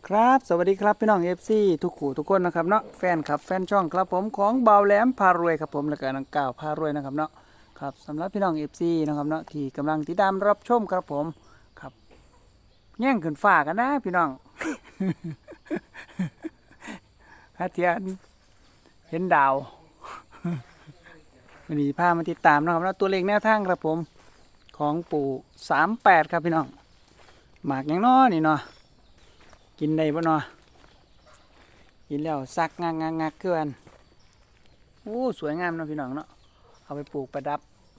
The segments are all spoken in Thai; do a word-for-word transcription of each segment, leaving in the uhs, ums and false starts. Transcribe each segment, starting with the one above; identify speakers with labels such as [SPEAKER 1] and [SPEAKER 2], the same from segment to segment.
[SPEAKER 1] ครับสวัสดีครับพี่น้องเอฟซีทุกขู่ทุกคนนะครับเนาะแฟนครับแฟนช่องครับผมของเบาแหลมพารวยครับผมและก็นังก่าวพารวยนะครับเนาะครับสำหรับพี่น้องเอฟซีนะครับเนาะที่กำลังติดตามรับชมครับผมครับแย่งขึ้นฟ้ากันนะพี่น้อง ฮาเทียนเห็นดาว วันนี้พามาติดตามนะครับแล้วตัวเลขแนวทางครับผมของปู่สามแปดครับพี่น้องหมากยังน้อนี่เนาะกินได้บ่เนาะกินแล้วซักงากงากงากเกินโอ้สวยงามเนาะพี่น้องเนาะเอาไปปลูกประดับ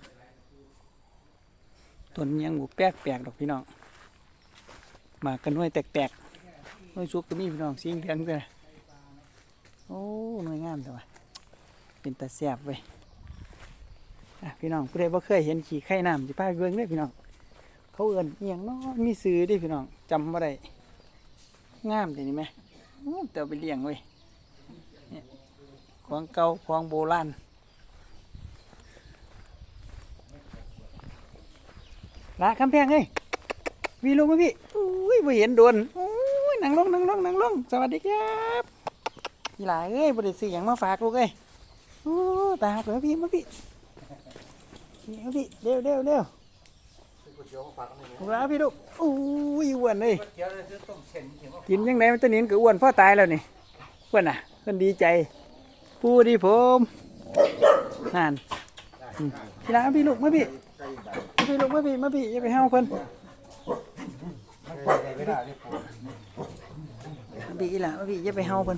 [SPEAKER 1] ต้นยังบุแปลกแปลกดอกพี่น้องหมากกันหน่วยแตกแตกหน่วยซุกก็มีพี่น้องสีเหลืองเลยโอ้หน่วยงามแต่ว่าเป็นตาแซ่บเว้ยพี่น้องผู้ใดบ่เคยเห็นขี่ไข่น้ำสิพาไปเบิ่งเด้อพี่น้องเขาเอิ้นเอียงเนาะมีซื้อดิพี่น้องจำบ่ได้งามแต่นี่ไหมแต่เอาไปเลี้ยงเว้ยของเก่าของโบราณละคำแพงเฮ้ยวีลงมาพี่อุ้ยบ่เห็นโดนอุ้ยนั่งลงนั่งลงนั่งลงสวัสดีครับพี่หลายเอ้ยบ่ได้ซื้อหยังมาฝากลูกเอ้ยโอ้ตาหักเลยพี่มาพี่มาพี่เร็วเร็วเร็วมาพี่ลูกอุ้ยอ้วนเลยกินยังไงมันตัวนี้ก็อ้วนพ่อตายแล้วนี่อ้วนอ่ะเพิ่นดีใจพูดดีผมนั่นพี่หลายพี่ลูกมาพี่มาพี่ลูกมาพี่มาพี่อย่าไปห้าวเพิ่นมาพี่อีหล่ะมาพี่อย่าไปห้าวเพิ่น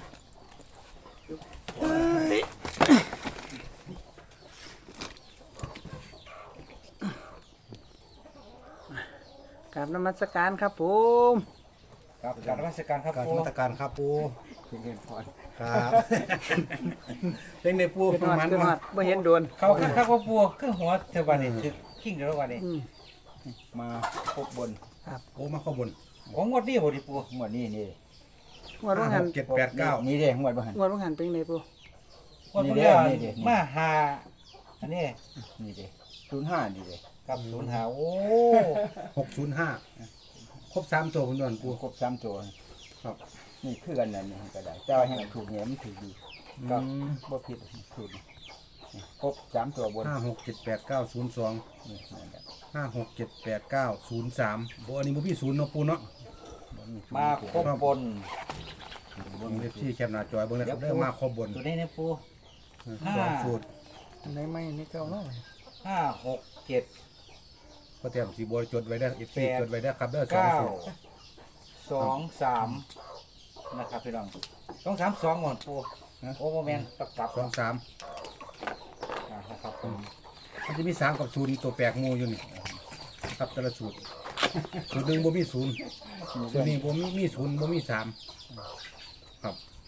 [SPEAKER 1] กราบนมัสการครับผม
[SPEAKER 2] ครับการราชการครับ
[SPEAKER 3] การ
[SPEAKER 2] ปู
[SPEAKER 3] มาตรการครับปู
[SPEAKER 1] เรียนพร
[SPEAKER 3] ครับเล่นในปู
[SPEAKER 1] เป็น
[SPEAKER 3] ประ
[SPEAKER 1] หอด
[SPEAKER 3] มาณ
[SPEAKER 1] เป็นหอ
[SPEAKER 3] ว่า
[SPEAKER 1] ดบ่เห็นโดน
[SPEAKER 2] เขาขึ้นครับว่าปูขึ้นหัวเทวันนี่คือกิ้งเดี๋ยววันนี้
[SPEAKER 1] อืม
[SPEAKER 2] มาพบบน
[SPEAKER 3] โอ้มาข้อบน
[SPEAKER 2] ของงวดนี้บ่ดิปูงวดนี้นี่
[SPEAKER 1] งวดว่างหัน
[SPEAKER 3] เจ็ดแปดเก้า
[SPEAKER 2] นี่เด้งวดบ่หัน
[SPEAKER 1] งวดว่างหันเป็นไงปู
[SPEAKER 2] งวดพวกนี้มาหาอันนี้นี่เด้ศูนย์ห้านี่เด้กับศูนย์ห้าโอ้
[SPEAKER 3] หกศูนย์ห้าครบสามตัวคุณดอนปู
[SPEAKER 2] ครบสามตัว
[SPEAKER 3] ครับ
[SPEAKER 2] นี่คือกันนั่นนี่ก็ได้แต่ว่าให้ถูกเนี่ยมันถูกดีก็บ่ผิดถูกครบสามตัวบน
[SPEAKER 3] ห้าหกเจ็ดแปดเก้าศูนย์สอง
[SPEAKER 2] นี่นั่นแหละ
[SPEAKER 3] ห้าหกเจ็ดแปดเก้าศูนย์สามโบอันนี้โบพี่ศูนย์เนาะปูเนาะ
[SPEAKER 2] มาครบบน
[SPEAKER 3] เบิ้งเลขที่แคบหน้าจอยเบิ้งเลยครับเริ่มมาครบบน
[SPEAKER 2] ตัวนี้นะปู
[SPEAKER 3] สองสูตร
[SPEAKER 1] ในไม่ในเก่าเนาะ
[SPEAKER 2] ห้าหกเจ็ด
[SPEAKER 3] ก็เตรียมสีบัวจดไว้ได้เอฟซีจดไว้ได้ครับเด้อสอง
[SPEAKER 2] เก้า
[SPEAKER 3] สูตร
[SPEAKER 2] สองสามนะครับพี่น้องสองสามสองหมดปูโอ้โมเมนต์ตับกลับ
[SPEAKER 3] สองสาม
[SPEAKER 2] อ่านะครับผม
[SPEAKER 3] มันจะมีสามกับศูนย์ตัวแปลกหมูอยู่นี่ครับแต่ละสูตรสูตรหนึ่งโบมีศูนย์สูตรนี้โบมีมีศูนย์โบมีสามครับ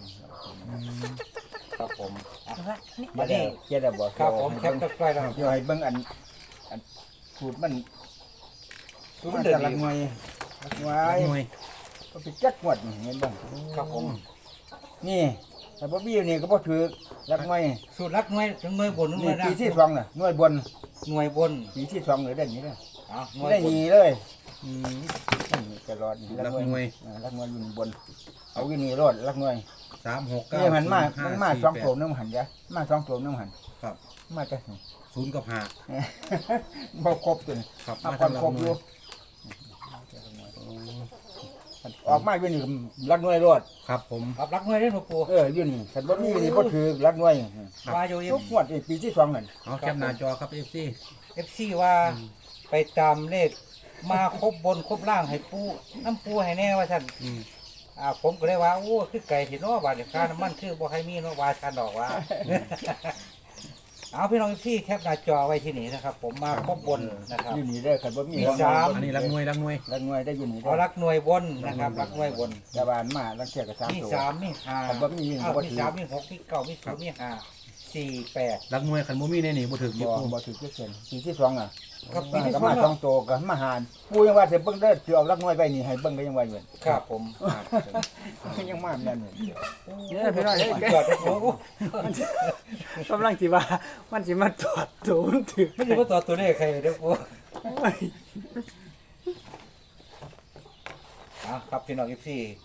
[SPEAKER 2] ครับผมอ่ะ
[SPEAKER 4] มาได้เจ็ดบอก
[SPEAKER 2] ครับผมแคปตะไคร้แล้ว
[SPEAKER 4] เดี๋ยวให้เบิ่งอันอันสูตรมัน
[SPEAKER 2] สู
[SPEAKER 4] สู
[SPEAKER 2] ต
[SPEAKER 4] ต
[SPEAKER 2] ร
[SPEAKER 4] ร
[SPEAKER 2] เดือด
[SPEAKER 4] แต่ละ
[SPEAKER 2] ดี
[SPEAKER 4] หน่วยละหน่ว
[SPEAKER 3] ห
[SPEAKER 4] ย
[SPEAKER 3] น่วย
[SPEAKER 4] ก็ไปจัดหมดนี่เห็นบ้าง
[SPEAKER 2] ครับผม
[SPEAKER 4] นี่แต่บ่บี้นี่ก็บ่ถือละหน่วย
[SPEAKER 2] สูตรรักหน่วยถึงหน่วยบนหน่
[SPEAKER 4] นี่
[SPEAKER 2] วยล่า
[SPEAKER 4] ปี
[SPEAKER 2] ง
[SPEAKER 4] ที่สองน่ะหน่วยบน
[SPEAKER 2] หน่วยบน
[SPEAKER 4] ปีที่สองเลยได้นี่เลย
[SPEAKER 2] อ่าหน่วย
[SPEAKER 4] ได้
[SPEAKER 2] บน
[SPEAKER 4] นี่เลย
[SPEAKER 3] อืม
[SPEAKER 4] นี่ตลอด
[SPEAKER 3] ละหน่วย
[SPEAKER 4] อ่าละหน่วยอยู่บนเอาอยู่นี่รอดละหน่วย
[SPEAKER 3] สามหกเก้า
[SPEAKER 4] นี่มันมา
[SPEAKER 3] ห้
[SPEAKER 4] มันมา
[SPEAKER 3] สี่
[SPEAKER 4] สอง
[SPEAKER 3] แปด
[SPEAKER 4] ตัวนึงหันจ้ะมาสองตัวนึงหัน
[SPEAKER 3] ครับ
[SPEAKER 4] มาจ้ะนี่
[SPEAKER 3] ศูนย์กับห้า
[SPEAKER 4] บ่ครบตัวนี่
[SPEAKER 3] ครับ
[SPEAKER 4] มา
[SPEAKER 3] มา
[SPEAKER 4] ก่อน
[SPEAKER 3] ทำละ
[SPEAKER 4] ครบ
[SPEAKER 3] ห
[SPEAKER 4] อ
[SPEAKER 3] น่ว
[SPEAKER 4] ยู่
[SPEAKER 3] ย
[SPEAKER 4] ออกมาอยู่นี่ละหน่วยรอด
[SPEAKER 3] ครับผม
[SPEAKER 2] ครับรักหน่วยได้หนูปู
[SPEAKER 4] เอออยู่นี่ฉันบ่มีนี่บ่ถือรักหน่วย
[SPEAKER 2] ว่าอยู่
[SPEAKER 4] ทุกงวดนี่ปีที่สองนั่น
[SPEAKER 3] เอาแคปหน้าจอครับเอฟซี
[SPEAKER 2] เอฟซีว่าไปตามเลขมาครบบนครบล่างให้ปูน้ำปูให้แน่ว่าท่าน
[SPEAKER 3] อืม
[SPEAKER 2] อ่าผมก็เลยว่าโอ้คือไก่ที่น้อบาดเดี๋ยวค่าน้ำมันคือบ่ให้มีเนาะว่าชันดอกว่า เอาพี่น้องที่แคปหน้าจอไว้ที่นี่นะครับ ผมมาครบบนนะครับ
[SPEAKER 4] อยู่นี่เด้อคันบ่มี
[SPEAKER 2] มีสาม
[SPEAKER 3] อันนี้รักหน่วยรักหน่วย
[SPEAKER 4] รักหน่วยได้อยู่นี่
[SPEAKER 2] เอา
[SPEAKER 4] เด้อ
[SPEAKER 2] รักหน่วยบนนะครับรักหน่วยบน
[SPEAKER 4] ชาวบ้านมาลังเที่ยก็สาม
[SPEAKER 2] มี
[SPEAKER 4] ตัว
[SPEAKER 2] สามมีห้า
[SPEAKER 4] ครับบ่มี
[SPEAKER 2] อ้าว
[SPEAKER 4] บ่
[SPEAKER 2] มี
[SPEAKER 4] ถือ
[SPEAKER 2] สามมีหกมีเก้ามีศูนย์มีห้าสี่แปด
[SPEAKER 3] รักหน่วยขันบ่มีในนี่บ่ถึง
[SPEAKER 4] บ่
[SPEAKER 3] ยี่ปู
[SPEAKER 4] บ่ถือจักเส้นปีที่สองอ่ะ
[SPEAKER 2] ครับปี
[SPEAKER 4] มา
[SPEAKER 2] ที่
[SPEAKER 4] ก็
[SPEAKER 2] สอ
[SPEAKER 4] มาง สองตัวก็มาหารปูยังว่าสิเบิ่งเด้อสิเอารักหน่วยไว้นี่ให้เบิ่งก็ยังว่าอยู่
[SPEAKER 2] ครับผม
[SPEAKER 4] ยังมาแม่นอยู่
[SPEAKER 1] เนี่ยพี่น้องเอ้ย
[SPEAKER 2] จอดโอ้โห
[SPEAKER 1] กำลังสิว่ามันสิมาตรวจตัวมันถือ
[SPEAKER 2] ไม่ใช่ว่าต่อตัวเลขใครเด้อปู
[SPEAKER 1] โอ้ย
[SPEAKER 2] อ่ะครับพี่น้องอีซี่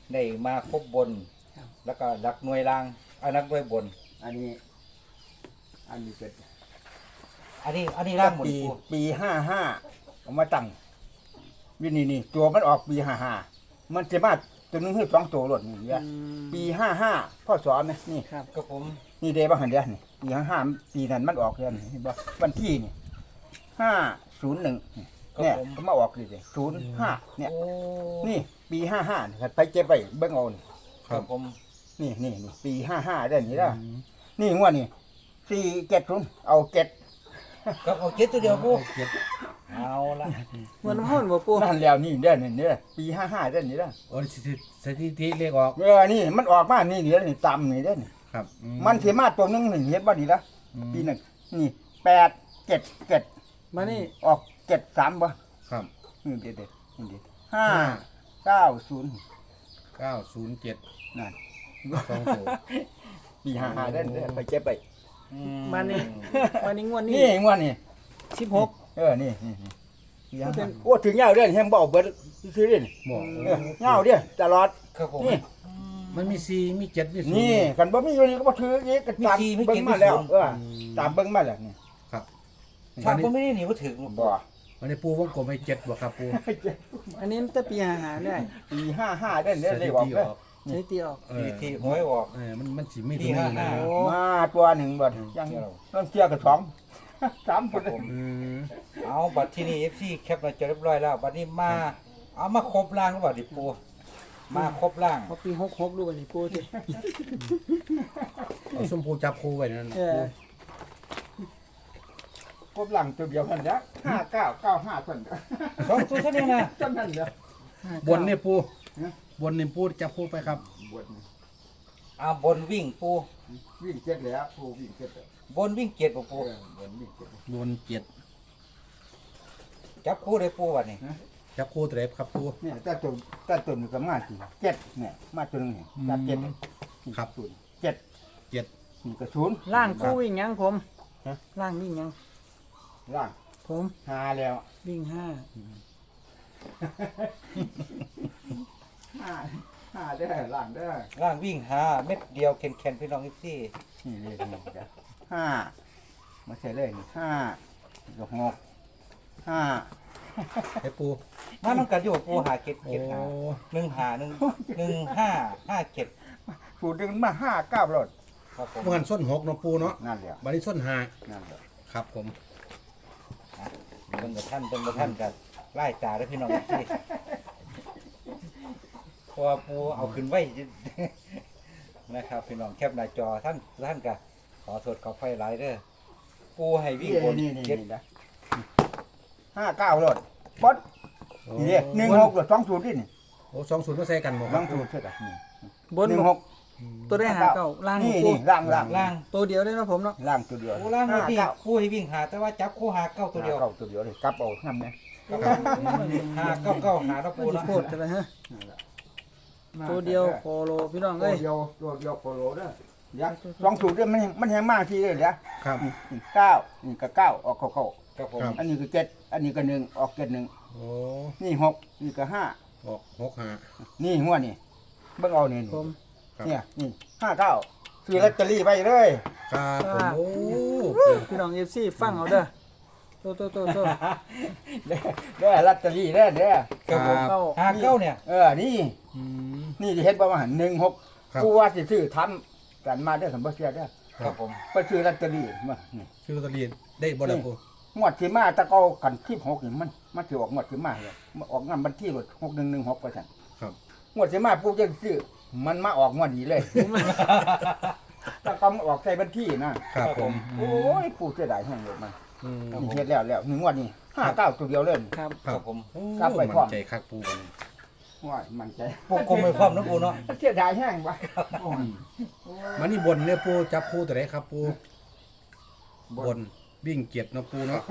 [SPEAKER 2] ได้มาครบบน แล้วก็รักหน่วยล่างเอานักหน่วยบน
[SPEAKER 4] อันนี้ อันนี้เป็น
[SPEAKER 2] อันนี้อันนี้ล่างหมด
[SPEAKER 4] ปี
[SPEAKER 2] ปู
[SPEAKER 4] ปีห้าห้าเอามาตั้งวินี่นี่ตัวมันออกปีห้าห้ามันจะมาตัวหนึงคือสองตัวหลดนี่เนี่ย
[SPEAKER 1] อืม
[SPEAKER 4] ปีห้าห้าพ่อสอนนะนี่
[SPEAKER 1] ครับ
[SPEAKER 2] กับผม
[SPEAKER 4] นี่เดบ้างหันเดียวนี่ปีห้าห้าปีนั้นมันออกเดือนนี่เห็นบ่วันที่นี่ห้าศูนย์หนึ่งเนี่ยก็มาออกเลยศูนย์ห้าเนี่ย
[SPEAKER 2] โอ้
[SPEAKER 4] นี่ปีห้าห้าไปเก็บไปเบิ้งเอานี่
[SPEAKER 2] ครับผม
[SPEAKER 4] นี่นี่นี่ปีห้าห้าได้นี่ละนี่งวดนี่สี่เจ็ดศูนย์เอาเจ็ด
[SPEAKER 2] กับเอาเจ็ดตัวเดียวปู
[SPEAKER 3] เจ็ด
[SPEAKER 2] เอาละ
[SPEAKER 1] เหมือนห้อนบ่ปู
[SPEAKER 4] นั่นแล้วนี่เด้อนี่เด้อปีห้าห้าได้นี่ละ
[SPEAKER 3] โอ้สถิสถิติเลขออก
[SPEAKER 4] เออนี่มันออกมานี่เดี๋ยวนี่ต่ำนี่เด้อนี่
[SPEAKER 3] ครับอื
[SPEAKER 4] มันสิมาตัวหนึงนี่เห็นบ่นี่ละปีหนึ่งนี่แปดเจ็ดเจ็ด
[SPEAKER 1] มานี่
[SPEAKER 4] ออกเจ็ดสามบ่
[SPEAKER 3] ครับ
[SPEAKER 4] นี่เด็ดเด็ดนี่เด็ดห้าเก้าศูนย์
[SPEAKER 3] เก้าศูนย์เจ็ด
[SPEAKER 4] นั่น
[SPEAKER 3] สองตัว
[SPEAKER 4] ปีห้าห้าได้อไปเก็บไป
[SPEAKER 2] อื
[SPEAKER 1] มานี่มานี่งวดนี้
[SPEAKER 4] นี่งวดนี่
[SPEAKER 1] สิบหก
[SPEAKER 4] เออนี่นี่นี่ปีห้าห้าโอ้ถึงยาวเด้อแฮงบ่เอาเบิดซื้อๆเด้อนี่
[SPEAKER 3] บอก
[SPEAKER 4] เออยาวเด้อตลอด
[SPEAKER 2] ครับผม
[SPEAKER 4] นี่
[SPEAKER 3] มันมีสี่มีเจ็ดมีศูนย์
[SPEAKER 4] นี่กันบ่มีอยู่นี่ก็บ่ถืออีกก็ตาม
[SPEAKER 2] มีสี่มี
[SPEAKER 4] เบิ่
[SPEAKER 2] เจ็
[SPEAKER 4] ง
[SPEAKER 2] ด
[SPEAKER 4] มาแล้ว
[SPEAKER 2] มีศูนย์
[SPEAKER 4] เออตามเบิ่งมาแล้วนี่
[SPEAKER 3] ครับ
[SPEAKER 2] ถ้า
[SPEAKER 3] วัน
[SPEAKER 2] ผม
[SPEAKER 3] นี้
[SPEAKER 2] ไม่ได้หนีว่าถึงหรอก
[SPEAKER 4] บ่
[SPEAKER 3] วันนี้ปูวงกลมให้เจ็ดบ่ครับปู
[SPEAKER 1] อันนี้แต่ปีหาหาได้
[SPEAKER 4] ปีห้าห้าได้อเนี่ยเลขออกเด้อ
[SPEAKER 1] ใช้ตีออก
[SPEAKER 3] เอ
[SPEAKER 2] ที
[SPEAKER 3] อ
[SPEAKER 2] ทีหวยออก
[SPEAKER 3] เออมันมันสิมี
[SPEAKER 2] ปี
[SPEAKER 3] ตัวนี้
[SPEAKER 2] ห้า
[SPEAKER 3] นะ
[SPEAKER 2] ห้า
[SPEAKER 1] โอ้
[SPEAKER 4] มาตัวหนึ่งบ่ยังต้องเชื่อกับสองสาม
[SPEAKER 2] ค
[SPEAKER 4] ค
[SPEAKER 2] รั
[SPEAKER 4] น
[SPEAKER 2] บผม
[SPEAKER 3] อืม
[SPEAKER 2] เอาบัตรที่นี่เอฟซีแคปมาจอเรียบร้อยแล้วบัตรนี้มาเอามาครบล่างหรือเปล่าดิปูมาครบล่าง
[SPEAKER 1] พอปีหกหกดูบัดนี้ปูสิ
[SPEAKER 3] เอาส้มปูจับคู่ไว้นั่น
[SPEAKER 1] เออ
[SPEAKER 4] ครบหลังตัวเดียวกันนะห้าเก้าเก้าห้าคน
[SPEAKER 2] สองตัวเท่านี้นะ
[SPEAKER 4] จำนั่นเด้อบ
[SPEAKER 3] นนี่ปูบนนี่ปูจับคู่ไปครับ
[SPEAKER 4] บวชนี่
[SPEAKER 2] เอาบนวิ่งปู
[SPEAKER 4] วิ่งเจ็ดแล้วผู้วิ่งเจ็ดแล้ว
[SPEAKER 2] บนวิ่งเกียรติปู
[SPEAKER 4] เออบนวิ่งเจ็ด
[SPEAKER 3] บนเจ็ด
[SPEAKER 2] จับคู่เลยปูวันนี้
[SPEAKER 3] จับคู่ตัวไหนครับปู
[SPEAKER 4] เนี่ยแต่ตัวแต่ตัวนี้ก็มาจริงเจ็ดเนี่ยมาตัวหนึงเนี่ยจับเจ็ด
[SPEAKER 3] ครับ
[SPEAKER 4] ศูนย์เจ็ด
[SPEAKER 3] เจ็ด
[SPEAKER 4] นี่ก็ศูนย์
[SPEAKER 1] ล่างปูวิ่งหยังผม
[SPEAKER 4] ฮะ
[SPEAKER 1] ล่างวิ่งหยัง
[SPEAKER 4] ล่าง
[SPEAKER 1] ผม
[SPEAKER 4] หาแล้ว
[SPEAKER 1] วิ่งห้า
[SPEAKER 4] ห้าห้าได้อล่างได้อ
[SPEAKER 2] ล่างวิ่งหาเม็ดเดียวแข็งๆพี่น้องเอฟซี
[SPEAKER 4] นี่เลยนี่จ้ะห้ามาใส่เลยนี่ห้านี่ก็หกห้า
[SPEAKER 3] ให้ปู
[SPEAKER 2] มาต้องการอยู่ปูหาเก็ด
[SPEAKER 3] โอ้
[SPEAKER 2] เก็ดหาหนึ่งหาหนึ่งหนึ่งห้าห้าเก็ด
[SPEAKER 4] สูตรดึงมาห้าเก้ารถ
[SPEAKER 2] ครับผม
[SPEAKER 3] เมื่อกันส้นหกเนาะปูเนาะ
[SPEAKER 4] นั่นแหละ
[SPEAKER 3] บัดนี้ส้นห้า
[SPEAKER 4] นั่นแหละ
[SPEAKER 3] ครับผม
[SPEAKER 2] เป็นกับท่านเป็นกับท่านกันไล่จ่าได้พี่น้องเอฟซีเพราะว่าปูเอาขึ้นไว้ นะครับพี่น้องแคปหน้าจอท่านท่านกันขอโทษขอไฟไลายเด้อปูให้วิ่งบน
[SPEAKER 4] นี่นี่
[SPEAKER 2] เก็ด
[SPEAKER 4] นี่นะห้าเก้ารถป๊ดนี่เด้หนึ่งหกรถสองสูตรนี่นี่
[SPEAKER 3] โอ้สองศูนย์มาใส่กันบ่ค
[SPEAKER 4] ส
[SPEAKER 3] รั
[SPEAKER 4] อบ งสูตรใช่ไหมนี่
[SPEAKER 1] บน
[SPEAKER 4] หนึ่งหก
[SPEAKER 1] ตัวได้หาเก้าล่าง
[SPEAKER 4] นี่
[SPEAKER 1] ปู
[SPEAKER 4] นี่ล่างล่าง
[SPEAKER 2] ล่าง
[SPEAKER 1] ตัวเดียวได้เนาะผมเนาะ
[SPEAKER 4] ล่างตัวเดียว
[SPEAKER 2] ปูล่างไม่
[SPEAKER 4] ห้า
[SPEAKER 2] วิ่ง
[SPEAKER 4] เก้า
[SPEAKER 2] ปูให้วิ่งหาแต่ว่าจับคู่หาเก้าตัวเดียว
[SPEAKER 4] ห้าเก้าตัวเดียวเลยกลับเอาทำเนี่ย
[SPEAKER 2] หาเก้าเก้าหาแล้ว
[SPEAKER 1] ปู
[SPEAKER 2] ปู
[SPEAKER 1] สิ
[SPEAKER 2] นะ
[SPEAKER 1] โคตรจะไปฮะตัวเดียวโคโลพี่น้อง
[SPEAKER 4] ตั
[SPEAKER 1] เอ้
[SPEAKER 4] วย เดียวตัวเดียวโปโลเด้อเดี๋ยวสองสูตรเนี่ยมันมันแห้งมากทีเลยเดี๋ยว
[SPEAKER 3] ครับ
[SPEAKER 4] นี่นี่เก้านี่ก็เก้าออกเก้าเก้า
[SPEAKER 2] ครับผม
[SPEAKER 3] ครับ
[SPEAKER 4] อันนี้ก็เจ็ดอันนี้ก็หนึ่งออกเจ็ดหนึ่ง
[SPEAKER 3] โอ้
[SPEAKER 4] นี่หกนี่ก็ห้า
[SPEAKER 3] ออกหกห้า
[SPEAKER 4] นี่หัวนี่เบิ่งเอานี่
[SPEAKER 1] ผม
[SPEAKER 3] ครับ
[SPEAKER 4] เนี่ยนี่ห้าเก้าซื้อลอตเตอรี่ไปเลย
[SPEAKER 3] ครับผมโอ้
[SPEAKER 1] พี่น้องเอฟซีฟังเอาเด้อโตโตโตโต
[SPEAKER 4] เด้อเด้อลอตเตอรี่เด้อเด้อ
[SPEAKER 2] ครับผม
[SPEAKER 1] เก้า
[SPEAKER 2] หาเก้าเนี่ย
[SPEAKER 4] เออนี่
[SPEAKER 3] อืม
[SPEAKER 4] นี่ที่เฮ็ดประมาณหนึ่งหก
[SPEAKER 3] ครับ
[SPEAKER 4] กูว่าสิซื้อทำกันมาเด้อสมบัติเสียเด้อ
[SPEAKER 2] ครับผม
[SPEAKER 4] ไปซื้อลอตเตอรี่มานี่
[SPEAKER 3] ชื่อลอตเตอรี่ได้บ่ล่ะปู
[SPEAKER 4] งวดที่มาตะเกากันที่หกนี่มันมันสิออกงวดที่มาเลยมันออกงานบันที่รถหกหนึ่งหนึ่งหกไปสั่น
[SPEAKER 3] ครับ
[SPEAKER 4] งวดที่มาปุ๊บจะซื้อมันมาออกงวดนี้เลยตะเกามันออกใส่บัญชีนะครับ
[SPEAKER 3] ผม
[SPEAKER 4] โอ้ยปู่เสียดายแห้งเลยมัน
[SPEAKER 3] อืม
[SPEAKER 4] นี่เฮ็ดแล้วแล้วหนึ่งงวดนี้ห้าเก้าตัวเดียวเลย
[SPEAKER 1] ครับ
[SPEAKER 2] ครับผม
[SPEAKER 3] โอ้
[SPEAKER 4] กลับไปพร้อม
[SPEAKER 3] มั่นใจคักปูบัดนี้
[SPEAKER 4] ว้ายมันใจ
[SPEAKER 2] ปูกลมไม่พร้อมนะปูเนาะ
[SPEAKER 4] เสียดายแห้งวะ
[SPEAKER 3] มันนี่บนเนี่ยปูจับคู่ตัวไหนครับปูบนวิ่งเกียรติเนาะปูเนาะ
[SPEAKER 2] ผม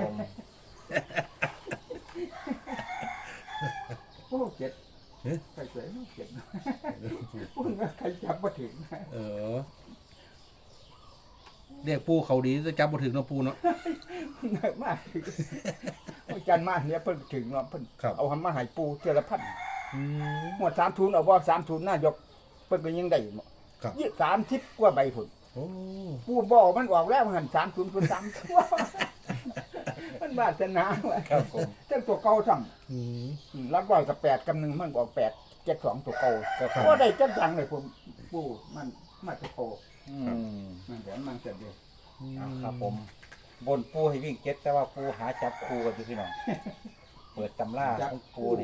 [SPEAKER 4] โอ้เจ็ดใครเสียเจ็ดพูดว่าใครจับมาถึง
[SPEAKER 3] เออเรียกปูเขาดีจะจับบ่ถึงเนาะปูเนาะ
[SPEAKER 4] เหนื่อยมากอาจารย์มาเนี่ยเพิ่นถึงเนาะเพิ่น
[SPEAKER 3] ครับ
[SPEAKER 4] เอาหันมาใหายปูเจอละพัน
[SPEAKER 2] อืม
[SPEAKER 4] หมดสามทุนเอาบ่สามทุนนายกเพิ่นก็ยังได้บ่
[SPEAKER 3] ครับ
[SPEAKER 4] ยี่สามสิบกว่าใบพุ่น
[SPEAKER 3] โอ้
[SPEAKER 4] ปูบอกมันออกแล้วหันสามทุนพุ่นสามตัว มันบาสนาว่ะ
[SPEAKER 2] ครับผม
[SPEAKER 4] เจ้าตัวเก่าซ้ำ
[SPEAKER 3] อืม
[SPEAKER 4] อืมรักร้อยกับแปดกับหนึ่งมันบอกแปดเจ็ดสองตัวเก่า
[SPEAKER 2] ครับผม
[SPEAKER 4] ก็ได้จังจังเลยผมปูมันมาตัวโต
[SPEAKER 2] อืม
[SPEAKER 4] มันเดี๋ยวมันเสร็จเลย
[SPEAKER 2] เอาครับผม บนปูให้วิ่งเจ็ดแต่ว่าปูหาจับคูกันอยู่พี่น้อง เปิดตำราของปูนี่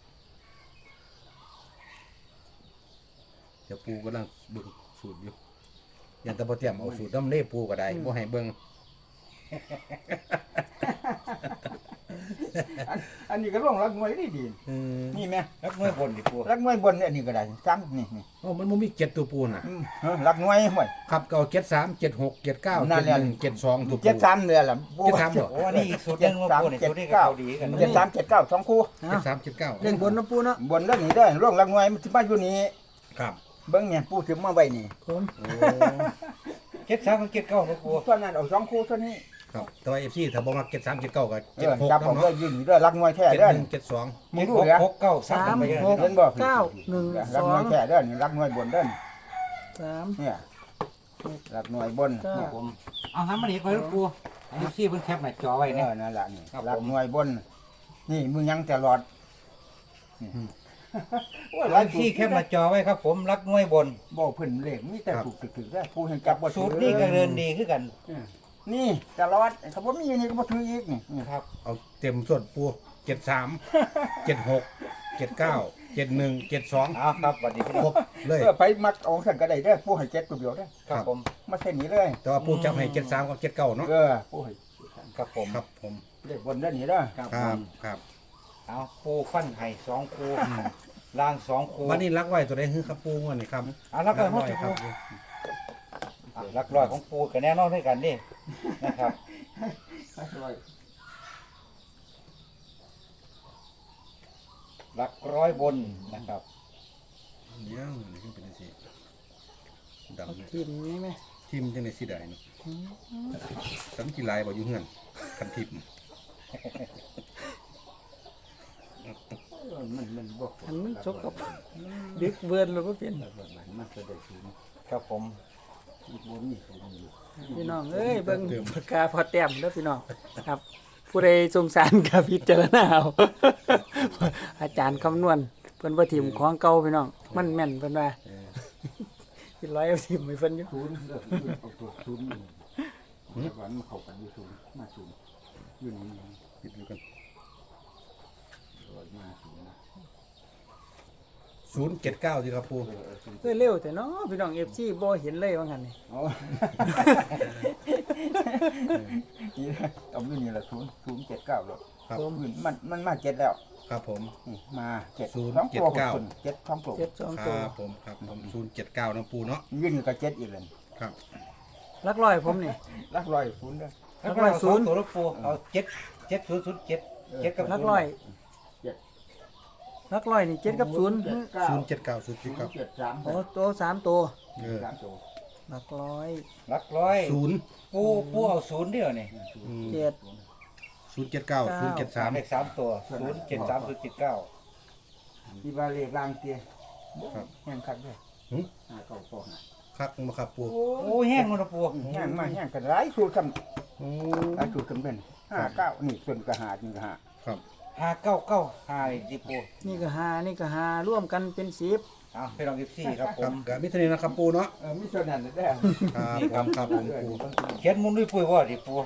[SPEAKER 3] เดี๋ยวปูกำลังเบิ่งสูตรอยู่ยันแตะบ่เตรียมเอาสูตรน้ำเล่ปูก็ได้บ่ให้เบิ่ง
[SPEAKER 4] อันอันนี้ก็ร่องรักมวยได้ดี
[SPEAKER 3] อืม
[SPEAKER 4] นี่แม่
[SPEAKER 2] รักน้อยบนดิปู
[SPEAKER 4] รักมวยบนเนี่ยอันนี้ก็ได้ซ้ำนี่นี่
[SPEAKER 3] โอ้มันบ่มีเจ็ดตัวปูน่ะ
[SPEAKER 4] อืมเออรักมวยห่วย
[SPEAKER 3] ครับเก่าเจ็ดสามเจ็ดหกเจ็ดเก้า
[SPEAKER 4] นั่
[SPEAKER 3] เจ็
[SPEAKER 4] น
[SPEAKER 3] ด
[SPEAKER 4] แหละ
[SPEAKER 3] หนึ่งเจ็ดสองตัวปู
[SPEAKER 4] เจ็ดสามเนี่ยแหละ
[SPEAKER 3] เจ็ดสามบ่
[SPEAKER 2] โอ้อันนี้อีกสูตรหนึงว่าปูนี่สูตรนี้ก็เขาดีกัน
[SPEAKER 4] เจ็ดสามเจ็ดเก้าสองคู่
[SPEAKER 3] เจ็ดสามเจ็ดเก้า
[SPEAKER 1] เล่นบนเนาะปูเนาะ
[SPEAKER 4] บนแล้วนี่ได้อร่องรักมวยมันสิมาอยู่นี่
[SPEAKER 3] ครับ
[SPEAKER 4] เบิ่งเนี่ยปูถึงมาไว้นี่
[SPEAKER 1] ผม
[SPEAKER 3] โอ้
[SPEAKER 2] เจ็ดสามกับเจ็ดเก้านะปู
[SPEAKER 4] ตอนนั้นเอาสองคู่เท่านี้
[SPEAKER 3] ครับแต่ว่า เอฟ ซี ถ้าบ่มักเจ็ดสามเจ็ดเก้าก็
[SPEAKER 4] เอ
[SPEAKER 3] เจ็ด
[SPEAKER 4] อ
[SPEAKER 3] หก
[SPEAKER 4] จับเอา
[SPEAKER 3] เนาะ
[SPEAKER 4] เด้อยืนนี่เด้อรักมวยแท้
[SPEAKER 3] เจ็ด
[SPEAKER 4] เด้อ
[SPEAKER 3] หนึ่งเจ็ดสอง
[SPEAKER 4] มึ
[SPEAKER 2] เจ็
[SPEAKER 4] ง
[SPEAKER 2] ด
[SPEAKER 4] ดู
[SPEAKER 2] หก
[SPEAKER 4] เด้อ
[SPEAKER 2] หกเก้าสา
[SPEAKER 1] สาม ม
[SPEAKER 2] ไปเลย
[SPEAKER 1] หก
[SPEAKER 2] นะ
[SPEAKER 4] เห็นบ่
[SPEAKER 1] เก้าหนึ่ง
[SPEAKER 4] รั
[SPEAKER 1] ส
[SPEAKER 4] ก
[SPEAKER 1] อ
[SPEAKER 4] มวย
[SPEAKER 1] ง
[SPEAKER 4] แท้เด้อนี่รักมวยบนเด้อ
[SPEAKER 1] สาม
[SPEAKER 4] เนี่ยรักมวยบน
[SPEAKER 1] เก้า
[SPEAKER 2] ครับผม เอาหามันอีกไปลูกปูอันนี้ซี่เพิ่นแคปหน้าจอไว้
[SPEAKER 4] เอ
[SPEAKER 2] เนี่ย
[SPEAKER 4] อนั่นแหละนี่
[SPEAKER 2] ครับ
[SPEAKER 4] รัก
[SPEAKER 2] ผม
[SPEAKER 4] มวยบน นี่มึงยังตลอดนี่โอ้ยห
[SPEAKER 2] อั
[SPEAKER 4] ลาย
[SPEAKER 2] น
[SPEAKER 4] สู
[SPEAKER 2] ซี่
[SPEAKER 4] ตร
[SPEAKER 2] แคปหน้าจอไว้ครับผมรักน้อยบน
[SPEAKER 4] บ่เพิ่นเลขมีแต่ถูกถึกๆได้ผู้เห็นจับบ่
[SPEAKER 2] สูตรนี้ก็เดินดีขึ้นกัน
[SPEAKER 4] นี่ตลอดถ้าบ่มีอันนี้ก็บ่ถืออีกนี่นี่
[SPEAKER 2] ครับ
[SPEAKER 3] เอาเต็มส่วนปูเจ็ดสามเจ็ดหกเจ็ดเก้าเจ็ดหนึ่งเจ็ดสอง
[SPEAKER 2] เอาครับสวัสดีพี่
[SPEAKER 3] ค
[SPEAKER 2] น้
[SPEAKER 3] ร
[SPEAKER 2] อง
[SPEAKER 3] บเลย
[SPEAKER 4] เออไปมักเอาซั่นก็ได้เด้อผู้ให้เจ็ดตัวเดียวเด้อ
[SPEAKER 2] ครับผม
[SPEAKER 4] มาเส้นนี้เลย
[SPEAKER 3] แต่ว่าปูจับให้เจ็ดสามกับเจ็ดเก้าเนาะ
[SPEAKER 4] เออผู้ให้
[SPEAKER 2] ครับผม
[SPEAKER 3] ครับผม
[SPEAKER 4] เลขบนเด้อนี่เด้อ
[SPEAKER 2] ครับ
[SPEAKER 3] ค
[SPEAKER 2] ผ
[SPEAKER 3] รับ
[SPEAKER 2] ม
[SPEAKER 3] ครับ
[SPEAKER 2] เอาปูฟันไห่สองคูล่างสองคู
[SPEAKER 3] วันนี้รักไว้ตัวใดคือครับปูวันนี้ครับ
[SPEAKER 2] เอารักร้อย
[SPEAKER 3] ไว้
[SPEAKER 2] ของ
[SPEAKER 3] ครั
[SPEAKER 2] ปู
[SPEAKER 3] บ
[SPEAKER 2] อ่ะรักร้อยของปูกับแน่นอนด้วยกันนี่นะครับรักร้อยบนนะครับ
[SPEAKER 3] เดี๋ยวนี่คือเป็นจังซี่ดำเนี่ย
[SPEAKER 1] ทีมนี้ไหม
[SPEAKER 3] ทิมจังได๋สิได้เนาะสำกีฬายบ่อยู่เฮือนคันทิม
[SPEAKER 4] มันมันบ่
[SPEAKER 1] อันมันจกกับดึกเวิร์นหรือว่าเป็น
[SPEAKER 4] มันจะได้สูง
[SPEAKER 2] ครับผม
[SPEAKER 4] บ่มีสูงอยู่
[SPEAKER 1] พี่น้องเอ้ยเบิ่งปากกาพอแต้มแล้วพี่น้องครับ ผู้ใดสงสารกับพิจารณาเอา อาจารย์คำนวณเพิ่นว่าทีมของเก่าพี่น้อง มันแม่นเพิ่นว่า
[SPEAKER 3] เออ
[SPEAKER 1] สิร้อยเอาทีมให้เพิ่นอยู่
[SPEAKER 4] ศูนย์เด้อเอาตัวศูนย์นี่แต่ว่ามันเข้ากันอยู่ศูนย์มาศูนย์อยู่นี่
[SPEAKER 3] คิดดูกัน
[SPEAKER 4] มาศูนย์นะ
[SPEAKER 3] ศูนย์เจ็ดเก้าสิครับปู
[SPEAKER 4] เออเออศูนย์
[SPEAKER 1] เอ้ยเร็วแต่เนาะพี่น้อง เอฟ ซี บ่เห็นเลยว่างั้นนี่
[SPEAKER 4] อ๋อนี่เอาอยู่นี่ละศูนย์ศูนย์เจ็ดเก้าหรอก
[SPEAKER 3] ครับ
[SPEAKER 4] มันมันมันมาเจ็ดแล้ว
[SPEAKER 3] ครับผม
[SPEAKER 4] นี่มาเจ็ด
[SPEAKER 3] ศูนย์
[SPEAKER 4] สองตัว
[SPEAKER 3] เจ็ดเก้า
[SPEAKER 4] หคนเจ็ดสองตัว
[SPEAKER 1] เจ็ดสอง
[SPEAKER 3] ค
[SPEAKER 1] ตัว
[SPEAKER 3] รับผมครับผมศูนย์เจ็ดเก้านะปูเนาะ
[SPEAKER 4] ยืนอยู่กับเจ็ดอีกเลย
[SPEAKER 3] ครับ
[SPEAKER 1] ลักร้อยผมนี่
[SPEAKER 4] รักร้อยศูนย์เด้อ
[SPEAKER 2] รักร้อยศูนย์ตัวลูกปูเอาเจ็ดเจ็ดศูนย์ศูนย์เจ็ดเจ็ดกับ
[SPEAKER 1] ลักร้อยลักร้อยนี่เจ็ดกับศูนย์
[SPEAKER 3] ศูนย์เจ็ดเก้าศูนย์
[SPEAKER 4] ศู
[SPEAKER 3] เจ็ด
[SPEAKER 4] น
[SPEAKER 3] เก้า
[SPEAKER 4] ย์เจ็ดสาม
[SPEAKER 1] โอ้ตัวสามตัว
[SPEAKER 3] เออ
[SPEAKER 4] สามตัว
[SPEAKER 1] ลักร้อย
[SPEAKER 2] รักร้อย
[SPEAKER 3] ศูนย์
[SPEAKER 2] ปูปูเอาศูนย์เดียวนี่
[SPEAKER 3] อืม
[SPEAKER 1] เจ็ด
[SPEAKER 3] ศูนย์เจ็ดเก้าศูนย์เจ็ดสาม
[SPEAKER 2] เลขสามตัวศูนย์เจ็ดสามศูนย์เจ็ดเก้า
[SPEAKER 4] ที่ว่าเลขล่างเตี้ย
[SPEAKER 3] ครับ
[SPEAKER 4] แห้งคักเลย
[SPEAKER 3] หึ
[SPEAKER 4] หาเก้าปอง
[SPEAKER 3] คักมาครับปู
[SPEAKER 2] โอ้แห้งมันนะปู
[SPEAKER 4] แห้งมาแห้งกันหลายสูตรกัน
[SPEAKER 3] โอ้
[SPEAKER 4] หลายสูตรกันเป็นห้าเก้านี่ส่วนกระหาจริงกระหา
[SPEAKER 3] ครับ
[SPEAKER 2] ห้าเก้าเก้าห้าดิปู
[SPEAKER 1] นี่ก็หานี่ก็หาร่วมกันเป็นสิบ
[SPEAKER 2] เอาไปลองกิฟซี่ครับผ
[SPEAKER 3] ครับ
[SPEAKER 2] ม
[SPEAKER 3] กับมิตรนี้นะครับปูเนาะ
[SPEAKER 4] เออมีส่วนนั้นได้
[SPEAKER 3] ครับผมครับผมปู
[SPEAKER 2] เขียนมุนด้วยปุ้ยว่าดิปู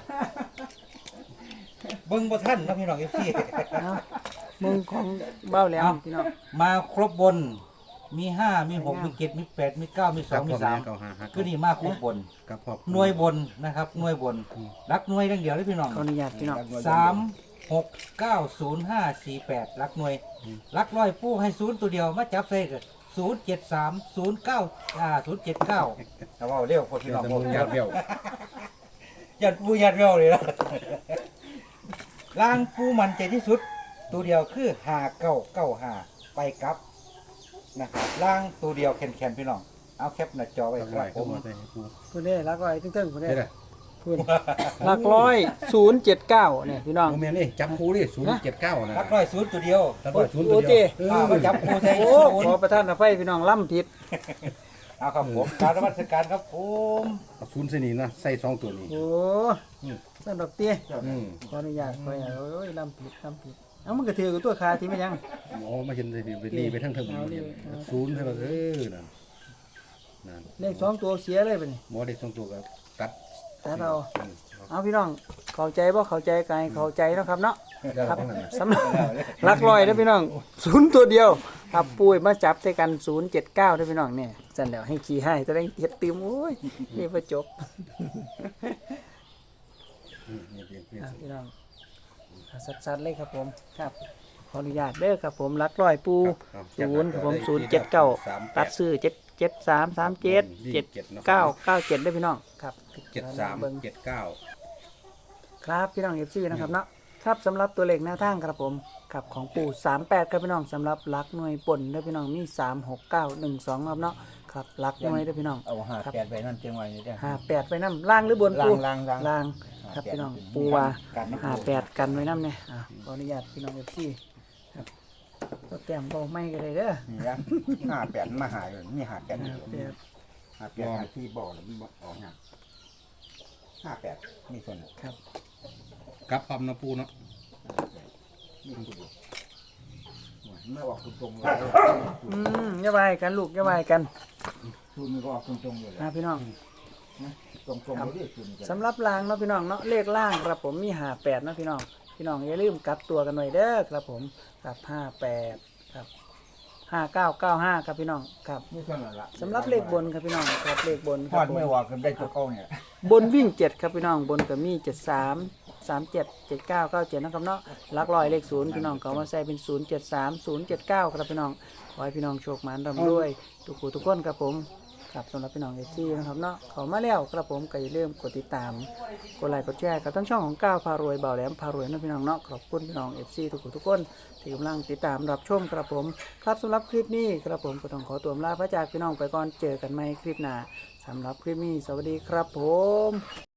[SPEAKER 2] เบิ้งบ่ท่านนะพี่น้องกิฟซี่
[SPEAKER 1] เอามึงของเบ้าแหลมพี่น้อง
[SPEAKER 2] มาครบบน มีห้ามีหกมีเจ็ดมีแปดมีเก้ามีส
[SPEAKER 3] ค
[SPEAKER 2] อ
[SPEAKER 3] รั
[SPEAKER 2] ง
[SPEAKER 3] บ
[SPEAKER 2] มี
[SPEAKER 3] ผม
[SPEAKER 2] สาม
[SPEAKER 3] เก้าห้าห้า
[SPEAKER 2] คือนี่มาครบบน
[SPEAKER 3] ครับพ่อ
[SPEAKER 2] หน่วยบนนะครับหน่วยบน รักหน่วยเรื่องเดียวเลยพี่น้อง
[SPEAKER 1] ขออนุญาตพี่น้อง
[SPEAKER 2] สามหกเก้าศูนย์ห้าสี่แปดรักหน่วย รักร้อยปูให้ศูนย์ตัวเดียวมาจับใส่กันศูนย์เจ็ดสามศูนย์เก้าอ่าศูนย์เจ็ดเก้าแต่ว่าเร็วพอพี่
[SPEAKER 3] เดี๋ย
[SPEAKER 2] น้
[SPEAKER 3] ว
[SPEAKER 2] อง
[SPEAKER 3] จะ
[SPEAKER 2] บ
[SPEAKER 3] มึ
[SPEAKER 2] อก
[SPEAKER 3] งยาดเบี้ยว
[SPEAKER 2] ยัดปูยัดเร็วเลยนะล่างปูมันใจที่สุด ตัวเดียวคือหาเก้าเก้าหาไปกลับนะครับล่างตัวเดียวแข็งๆพี่น้องเอาแคปหน้าจอไว้
[SPEAKER 3] ตั้ง
[SPEAKER 2] ค
[SPEAKER 3] ไว้
[SPEAKER 2] รับผ
[SPEAKER 3] เข้าม มาใส่ให้ปู
[SPEAKER 1] ผู้ใดลักร้อยตึ้งๆผู้ใด
[SPEAKER 3] ได้เลย
[SPEAKER 1] พูดหลักร้อยศูนย์เจ็ดเก้าเนี่ยพี่น้อง
[SPEAKER 3] โมเมนต์นี่จับคู่ดิศูนย์เจ็ดเก้านะ
[SPEAKER 2] รักร้อยศูนย์ตัวเดียว
[SPEAKER 3] จับร้อยศูนย์
[SPEAKER 1] โอ้
[SPEAKER 3] ตัว
[SPEAKER 1] เจ้
[SPEAKER 3] เดียว
[SPEAKER 2] อ่ามาจับครูใส่
[SPEAKER 1] โอ้
[SPEAKER 2] ศูน
[SPEAKER 1] ขอ
[SPEAKER 2] ย์
[SPEAKER 1] ประทานอภัยพี่น้องล่ำผิด
[SPEAKER 2] เอาครับผมการนมัสการครับผม
[SPEAKER 3] เอาศูนย์เสนีนะใส่สองตัวนี้
[SPEAKER 1] โอ้สั่นดอกเตี้ย
[SPEAKER 3] อืม
[SPEAKER 1] ขออนุญาตขออนุญาตโอ้ยล่ำผิดล่ำผิดเอามันก็ถือกับตัวคาที่ไม่ยัง
[SPEAKER 3] โอ้มาเห็นเลยไปรีไปทั้งเทิง
[SPEAKER 1] เอาดิเอา
[SPEAKER 3] ศูนย์ใช่ไหมเออนั่นนั่น
[SPEAKER 1] เลขสองตัวเสียเลยไปนี่
[SPEAKER 3] หมอเด็กสองตัวก็ตัด
[SPEAKER 1] แต่เรา
[SPEAKER 3] อืม
[SPEAKER 1] เอาพี่น้องเข้าใจบ่เข้าใจกันเข้าใจเนาะครับเนาะ
[SPEAKER 3] ได้
[SPEAKER 1] ครับ
[SPEAKER 3] ทั้งนั้น
[SPEAKER 1] สำหรับหลักร้อยเด้อพี่น้องศูนย์ตัวเดียวครับปุ้ยมาจับใส่กันศูนย์เจ็ดเก้าเด้อพี่น้องเนี่ยสั่นแล้วให้ขี่ให้ตัวเองเฮ็ดติมโอ้ยนี่บ่จบ
[SPEAKER 3] อืมนี่เพียงเพียง
[SPEAKER 1] อ่ะพี่น้องสัดๆเลยครับผมครับขออนุญาตเด้อครับผมหลักร้อยปู
[SPEAKER 3] ครับ
[SPEAKER 1] ศูนย์ครับผมศูนย์เจ็ดเก้าตัดซื้อเจ็ดเจ็ดสามสามเจ็ดเจ็ดเก้าเก้าเจ็ดได้อพี่น้องครับ
[SPEAKER 3] เจ็ดสาม
[SPEAKER 1] เบิ่ง
[SPEAKER 3] เจ็ดเก้า
[SPEAKER 1] ครับพี่น้องเอฟซีนะครับเนาะครับสำหรับตัวเลขแนวทางครับผมครับของปู่สามแปดครับพี่น้องสำหรับหลักหน่วยป่นได้อพี่น้องมีสามหกเก้าหนึ่งสองครับเนาะครับหลักหน่วยได้อพี่น้อง
[SPEAKER 4] เอาห้าแปดไปนั่นเจียงไว้นี่ได้
[SPEAKER 1] ห้าแปดไปน้ำล่างหรือบน
[SPEAKER 4] ล่า
[SPEAKER 1] ปู
[SPEAKER 4] งล่างล่าง
[SPEAKER 1] ล่างครับพี่น้องปูว่าห้าแปดกันไว้น้ำเนี่ยอ่ะขออนุญาตพี่น้องเอฟซีครับก็แต้มเบาไม่กันเลยเด้อ
[SPEAKER 4] นี่ละห้าแปดมาหาอยู่นี่ห้าแปด
[SPEAKER 1] ห้าแปด
[SPEAKER 4] ห้าแปดหาที่บ่อแล้วมันบ่ออกเนี่ยห้าแปดนี่คน
[SPEAKER 1] ครับ
[SPEAKER 3] กลับปั๊มนะปูเนาะ
[SPEAKER 4] นี่คนเดียวไม่ออกตรงๆเลย
[SPEAKER 1] อืมอย่าไปกันลูกอย่าไปกัน
[SPEAKER 4] คุณมันก็ออกตรงๆเลย
[SPEAKER 1] นะพี่น้อง
[SPEAKER 4] ตรงๆเลยดิคุณ
[SPEAKER 1] สำหรับล่างเนาะพี่น้องเนาะเลขล่างครับผมมีห้าแปดนาะพี่น้องพี่น้องอย่าลืมกลับตัวกันหน่อยเด้อครับผมกับห้าแปดครับห้าเก้าเก้าห้าครับพี่น้องครับ
[SPEAKER 4] นี่เท่านั้นละ
[SPEAKER 1] สำหรับเลขบนครับพี่น้องครับเลขบนค
[SPEAKER 4] พ
[SPEAKER 1] รั
[SPEAKER 4] อบ ด
[SPEAKER 1] ผม
[SPEAKER 4] ไม่ว่ากันได้ตัวเก้าเนี่ย
[SPEAKER 1] บนวิ่งเจ็ดครับพี่น้องบนก็มีเจ็ดสามสามเจ็ดเจ็ดเก้าเก้าเจ็ดนะครับเนาะหลักร้อยเลขศูนย์พี่น้องก็เอามาใส่เป็นศูนย์เจ็ดสามศูนย์เจ็ดเก้าครับพี่น้องขอให้พี่น้องโชคหมานร่ำรวยทุกผู้ทุกคนครับผมครับสำหรับพี่น้องเอฟซีนะครับเนาะเขามาแล้วครับผมก็อย่าลืมกดติดตามกดไลค์กดแชร์กับทั้งช่องของก้าวพารวยเบาแหลมพารวยนะพี่น้องเนาะขอบคุณพี่น้องเอฟซีทุกผู้ทุกคนที่กำลังติดตามรับชมครับผมครับสำหรับคลิปนี้ครับผมก็ต้องขอตัวลาพระจากพี่น้องไปก่อนเจอกันใหม่คลิปหน้าสำหรับคลิปนี้สวัสดีครับผม